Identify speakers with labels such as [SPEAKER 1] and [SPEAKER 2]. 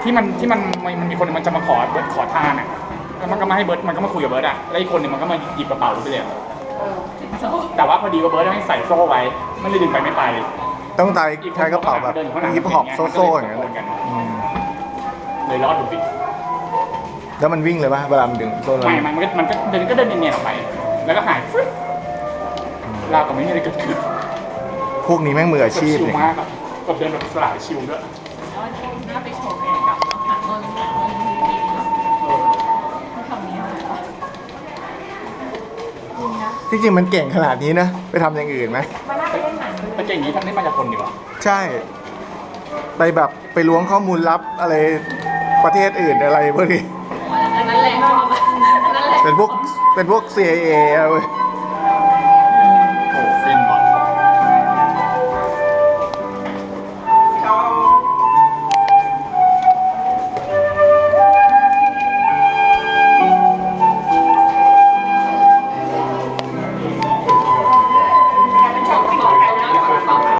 [SPEAKER 1] ที่มันมีคนมันจะมาขอเบิร์ดขอทานอ่ะแล้วมันก็มาให้เบิร์ดมันก็มาคุยกับเบิร์ดอ่ะแล้วอีกคนหนึ่งมันก็มาหยิบกระเป๋าไปเลยแต่ว่าพอดีว่าเบิร์ดให้ใส่โซ่ไว้มันเลยดึงไปไม่ไป
[SPEAKER 2] ต้องใช้กระเป๋าแบบฮิปฮอปโซ่ๆอย่างเงี้ย
[SPEAKER 1] เลยรอดถูกปิด
[SPEAKER 2] แล้วมันวิ่งเลยป่ะเวลามันดึงโซ่แล้ว
[SPEAKER 1] ไม่มันก็เดินเนียนๆออกไปแล้วก็หายฟึ๊บเรากับไม่มีอะไรเกิดขึ้น
[SPEAKER 2] พวกนี้แม่งมืออาชีพ
[SPEAKER 1] ชิลมากแบบเดินแบบสลายชิลด้วย
[SPEAKER 3] แล้วหน้าไปโชว์แกกับหันเงินดีทำนี้อะไรวะ
[SPEAKER 2] จริงๆมันเก่งขนาดนี้นะไปทำอย่างอื่นไหม
[SPEAKER 3] มันน่าไปเล่นหนัง
[SPEAKER 1] แต่เก่งนี้ทำได้มาจากคนดีกว่า
[SPEAKER 2] ใช่ไปแบบไปล้วงข้อมูลลับอะไรประเทศอื่นอะไรพวกนี้
[SPEAKER 3] อันนั้นแหละอันนั้นแหละ
[SPEAKER 2] เป็นพวก CIA อะเว้ย